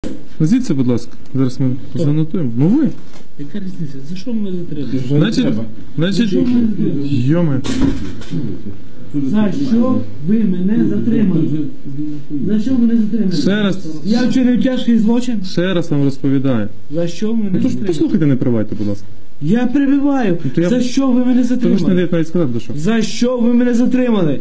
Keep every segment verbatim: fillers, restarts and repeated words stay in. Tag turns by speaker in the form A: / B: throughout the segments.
A: Назвіться, будь ласка. Зараз ми занотуємо. Ну ви.
B: Яка різниця? За що ми затримали?
A: Значить, значить, йоме.
B: За що ви мене затримали? За що мене затримали?
A: Ще раз,
B: Я вчинив тяжкий злочин?
A: ще раз вам розповідаю.
B: За що мене
A: Ну то ж
B: затримали?
A: послухайте, не привайте, будь ласка.
B: Я перебиваю.
A: то я-
B: За що ви мене
A: То ви ж не
B: затримали?
A: даєте навіть сказати, до що.
B: За що ви мене затримали?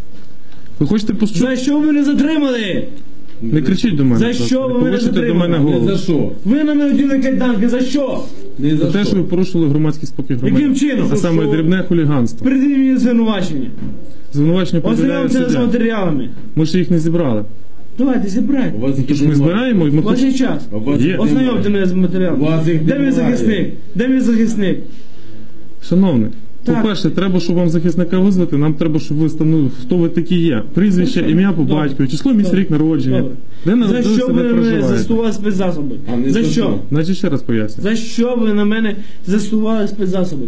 A: Ви хочете почути?
B: За що ви мене затримали?
A: Не кричіть до мене.
B: За
A: будь ласка.
B: що ви
A: Не
B: мене
A: повишуйте до
B: затримали?
A: мене
C: Не за
A: голос.
C: що?
B: Ви на мене вділи кайданки. За що?
C: Не
A: За
C: за
A: те, що ви
C: що?
A: порушили громадський спокій громадян.
B: Яким чином?
A: А саме дрібне хуліганство.
B: Придивіть мені звинувачення.
A: Звинувачення повідомляє
B: Ознайомтеся з
A: суддя.
B: матеріалами.
A: Ми ще їх не зібрали.
B: Давайте, зібрайте.
C: У вас їх
A: Тож ми
C: немає.
A: збираємо і ми
B: У вас
A: хочемо...
B: є час.
C: А у вас
A: Є.
C: їх
B: Ознайомте
C: немає.
B: мене з матеріалами.
C: У вас їх
B: Де мій
C: немає.
B: захисник? Де мій захисник?
A: Шановний,
B: Так.
A: по-перше, треба, щоб вам захисника визвати, нам треба, щоб ви встановили, хто ви такі є. Прізвище, ім'я по
B: Добре.
A: батькові, число місць,
B: Добре.
A: рік народження.
B: Добре.
A: Де
B: За
A: народилися,
B: що
A: де
B: ви на мене
A: проживаєте.
B: застосували спецзасоби?
C: А не
B: За
C: за
B: що?
C: що?
A: Значить, ще раз поясню.
B: За що ви на мене застосували спецзасоби?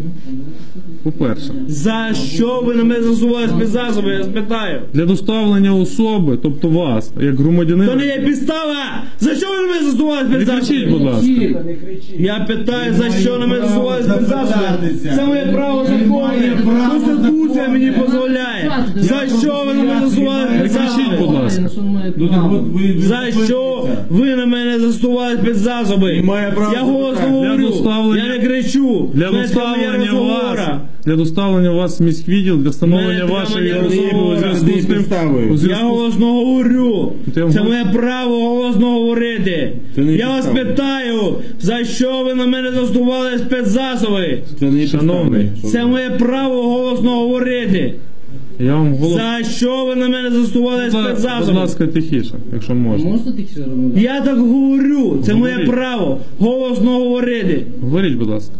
A: По-перше,
B: За що ви на мене застосували спецзасоби? Я спитаю.
A: для доставлення особи, тобто вас, як громадянина...
B: То не є підстава! За що ви на мене застосували
A: Не кричіть, будь
B: спецзасоби?
A: ласка.
B: Я питаю, за що на мене застосували
C: Право
B: спецзасоби?
C: запитатися.
B: Це моє право законне.
C: право
B: Конституція мені дозволяє. За що ви на мене застосували
A: Не кричіть, будь
B: спецзасоби?
A: ласка.
C: Ну так от ви... ви
B: За що
C: зупиніться.
B: ви на мене застосували спецзасоби?
C: І має право
B: Я голосно
C: запитати.
B: говорю,
A: Для доставлення-
B: я не кричу.
A: Для
B: Знаєте,
A: доставлення
B: моя
A: вас,
B: розговора.
A: для доставлення вас в міськвідділ, для встановлення
B: Мене
A: вашої
B: прямо не
A: особи у
B: розмова.
A: зв'язку з тим,
C: Підставою.
A: у
B: Я
A: зв'язку з-
B: голосно говорю.
A: Ти вам
B: Це
A: гол-
B: моє право голосно говорити.
C: Це не
B: Я вас
C: підстава.
B: питаю, за що ви на мене застосували спецзасоби?
C: Це не
A: Шановний.
C: підстави.
B: Це моє право голосно говорити.
A: Я вам голос...
B: За що ви на мене застосували
A: Будь
B: спецзасоби?
A: ласка, тихіше, якщо можна.
D: Можна тихіше розмовляти?
B: Я так говорю. Це моє
A: Говоріть.
B: право голосно говорити.
A: Говоріть, будь ласка.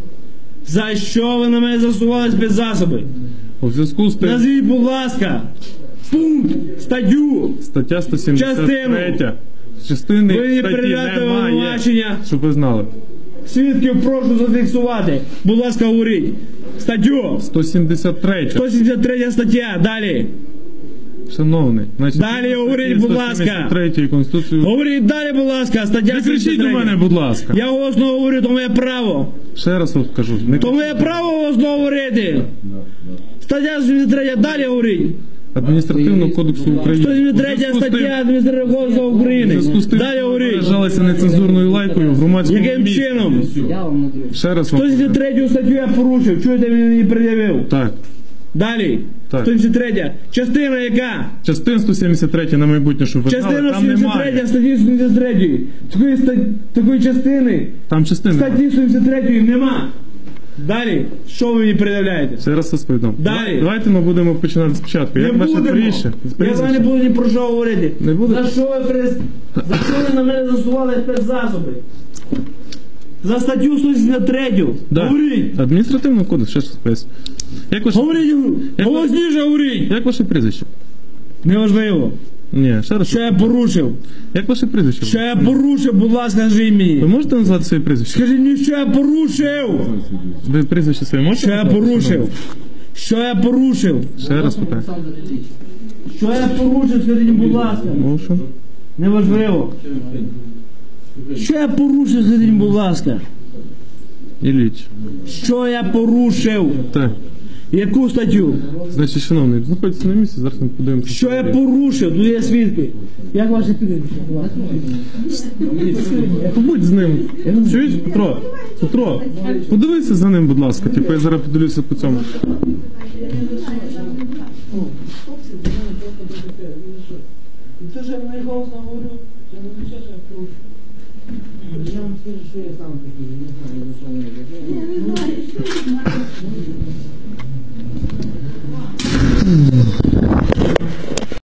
B: За що ви на мене застосували спецзасоби?
A: У зв'язку з тим,
B: Назвіть, будь ласка, пункт, статтю.
A: стаття сто сімдесят три. Частини
B: Ви мені
A: статті
B: передати
A: немає,
B: обвинувачення.
A: щоб ви знали.
B: Свідків прошу зафіксувати. Будь ласка, говоріть. Статтю.
A: сто сімдесят три.
B: сто сімдесят третя стаття. Далі.
A: Шановний, значить,
B: Далі говоріть, будь ласка.
A: сто сімдесят третій Конституції.
B: Говоріть далі, будь ласка. Стаття
A: Не кричіть
B: сімдесят
A: до
B: третя.
A: мене, будь ласка.
B: Я голосно говорю, то моє право.
A: Ще раз вам кажу. Не...
B: То моє право голосно говорити. Стаття сімдесят третя. Далі говоріть.
A: Адміністративного кодексу України.
B: сто сімдесят
A: У
B: третя
A: зв'язку з тим-
B: стаття Адміністративного кодексу
A: у
B: України.
A: зв'язку з тим,
B: Далі
A: що ви
B: говоріть.
A: виражалися нецензурною лайкою в громадському
B: Яким
A: місці.
B: чином?
D: Я вам надаю.
A: Ще раз
B: сто
A: вам
B: сімдесят
A: кажу.
B: третю статтю я порушив. Чуєте, він мені пред'явив.
A: Так.
B: Далі.
A: Так.
B: сто сімдесят третя. Частина яка?
A: Частин сто сімдесят три на майбутнє, щоб ви знали,
B: Частина
A: там
B: сімдесят третя
A: немає.
B: статті сто сімдесят третьої. Такої, ста- такої частини
A: Там частини немає.
B: статті сто сімдесят третьої нема. Далі. Що ви мені пред'являєте?
A: Ще раз розповідам.
B: Далі.
A: Давайте ми будемо починати спочатку.
B: Не
A: Як ваше
B: будемо.
A: прізвище?
B: Я з вами не буду ні про що говорити.
A: Не будете?
B: За що ви прес... За що ви на мене засували спецзасоби? За статтю сто сімдесят три.
A: Да.
B: Говоріть.
A: Адміністративний кодекс, ще раз поясню. Як ваше,
B: Говоріть. Голосніше говоріть.
A: як ваше прізвище?
B: Неважливо.
A: Ні, ще раз.
B: Що я порушив?
A: Як ваше прізвище?
B: Що я порушив, будь ласка, скажіть
A: Ви
B: мені.
A: можете назвати своє прізвище?
B: Скажіть мені, що я порушив.
A: Ви прізвище своє можете
B: Що я
A: назвати?
B: порушив? Що я порушив?
A: Ще раз питаю.
D: Олександр Ілліч.
B: Що я порушив, скажіть, будь ласка.
A: Моушен.
B: Неважливо. Що я порушив, скажіть, будь ласка.
A: Ілліч.
B: Що я порушив?
A: Так.
B: Яку статтю?
A: Значить, шановний, знаходиться на місці, зараз ми подивимося.
B: Що я порушив? Тут є свідки. Як ваші прізвище?
A: Побудь з ним. Чуєш, Петро? Петро, подивися за ним, будь ласка. Типу, я зараз подивлюся по цьому.
B: Це ж я не голосно говорю. Це не означає, що я порушив. Я вам скажу, що я сам такий, не знаю, за що мене.